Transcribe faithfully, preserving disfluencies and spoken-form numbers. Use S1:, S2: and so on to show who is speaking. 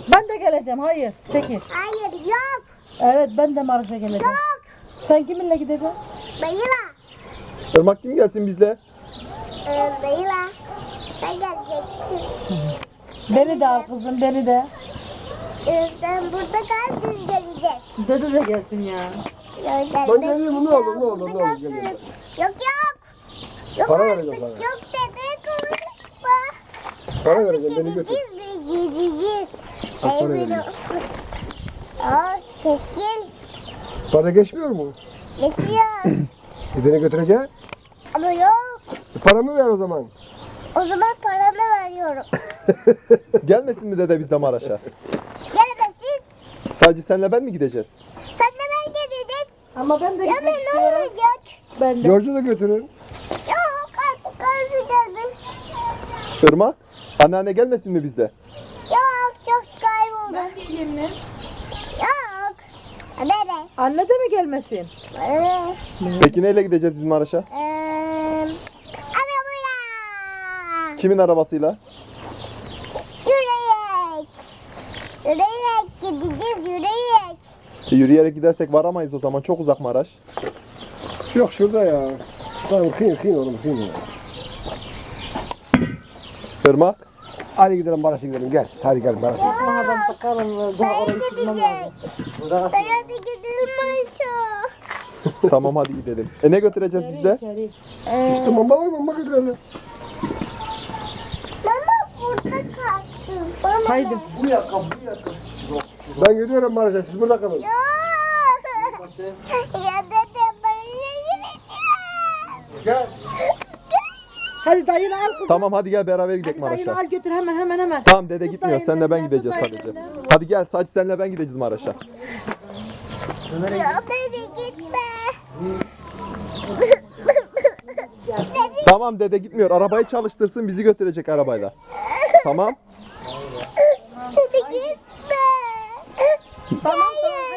S1: Ben de geleceğim. Hayır. Çekil.
S2: Hayır yok.
S1: Evet ben de Maraş'a geleceğim.
S2: Yok.
S1: Sen kiminle gideceksin?
S2: Dayıla.
S3: Irmak kim gelsin bizle?
S2: Ee, dayıla. Sen geleceksin.
S1: Beni de al kızım beni de.
S2: Ee, sen burada kal biz geleceğiz.
S1: Dede de gelsin ya.
S2: Ben
S3: geleyim, ne olur, ne olur, ne olur, geleyim.
S2: Yok yok. Yok
S3: Para
S2: artık,
S3: vereceğim sana.
S2: Yok dede konuşma.
S3: Para vereceğim, beni götür.
S2: Gideceğiz biz gideceğiz.
S3: Al, para
S2: Ey
S3: vereyim.
S2: bir- Aa kesin.
S3: Para geçmiyor mu?
S2: Geçiyor.
S3: E beni götüreceksin.
S2: Ama yok.
S3: E, paramı ver o zaman.
S2: O zaman paranı veriyorum.
S3: Gelmesin mi dede bizle Maraş'a?
S2: Gelmesin.
S3: Sadece senle ben mi gideceğiz?
S2: Sen de ben geleceğiz.
S1: Ama ben de
S2: Ya
S1: gitmek
S2: ben ne
S1: istiyorum.
S2: olacak?
S1: Ben de.
S3: George'u da götürün.
S2: Yok artık karşı gelmiş.
S3: Irmak, anneanne gelmesin mi bizle?
S2: Yok çok kayboldu.
S1: Ben de gideyim mi?
S2: Yok. Bebe.
S1: Anne de mi gelmesin?
S2: Ee,
S3: Peki neyle gideceğiz biz Maraş'a?
S2: Eee arabaya.
S3: Kimin arabasıyla?
S2: Yürüyerek. Yürüyerek gideceğiz yürüyerek.
S3: E, yürüyerek gidersek varamayız o zaman. Çok uzak Maraş.
S4: Yok şurada ya. Tamam kıyın kıyın oğlum kıyın ya.
S3: Irmak,
S4: Hadi gidelim Maraş'a gidelim gel. Hadi gel Maraş'a.
S1: Osman adam takarım. Daha
S2: Ben
S1: orayı sürmem
S2: gidecek.
S1: lazım.
S2: Ben hadi gidelim Maşa.
S3: tamam hadi gidelim. E ne götüreceğiz bizle?
S1: İçeri.
S4: İşte mama var mama götürelim.
S2: Mama burada kalsın. Mama
S1: Haydi.
S4: Bu yakam bu yakam. Ben gidiyorum Maraş'a siz burada kalın.
S2: Ya. Ya dede buraya gideceğim.
S4: Gel.
S1: Hadi dayını al kızım.
S3: Tamam hadi gel beraber gidelim
S1: Hadi dayını
S3: Maraş'a.
S1: al götür hemen hemen hemen.
S3: Tamam dede
S1: Tut
S3: gitmiyor.
S1: dayının
S3: Senle ben
S1: elinden,
S3: gideceğiz
S1: tut dayının
S3: sadece.
S1: elinden.
S3: Hadi gel sadece senle ben gideceğiz Maraş'a.
S2: Ya dede gitme. Dede
S3: Tamam dede gitmiyor. Arabayı çalıştırsın bizi götürecek arabayla. Tamam.
S2: dede gitme.
S1: Tamam tamam.
S2: Hayır.